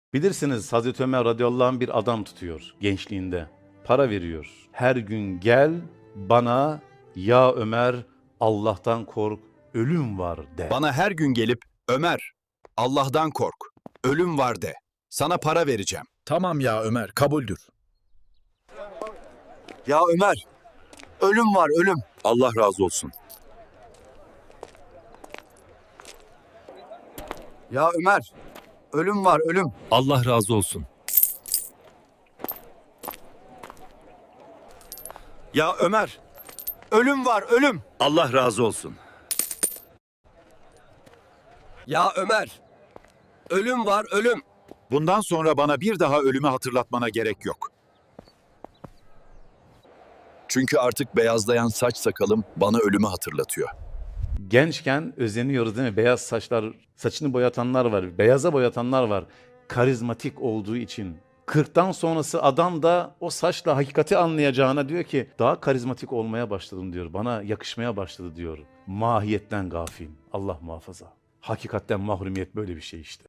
Bilirsiniz Hazreti Ömer radıyallahu anh bir adam tutuyor gençliğinde. Para veriyor. Her gün gel bana ya Ömer Allah'tan kork ölüm var de. Bana her gün gelip Ömer, Allah'tan kork, ölüm var de. Sana para vereceğim. Tamam ya Ömer, kabuldür. Ya Ömer, ölüm var ölüm. Allah razı olsun. Ya Ömer, ölüm var ölüm. Allah razı olsun. Ya Ömer, ölüm var ölüm. Allah razı olsun. Ya Ömer, ölüm var ölüm. Bundan sonra bana bir daha ölümü hatırlatmana gerek yok. Çünkü artık beyazlayan saç sakalım bana ölümü hatırlatıyor. Gençken özeniyoruz değil mi? Beyaz saçlar, saçını boyatanlar var, beyaza boyatanlar var. Karizmatik olduğu için. 40'tan sonrası adam da o saçla hakikati anlayacağına diyor ki daha karizmatik olmaya başladım diyor. Bana yakışmaya başladı diyor. Mahiyetten gafil. Allah muhafaza. Hakikatten mahrumiyet böyle bir şey işte.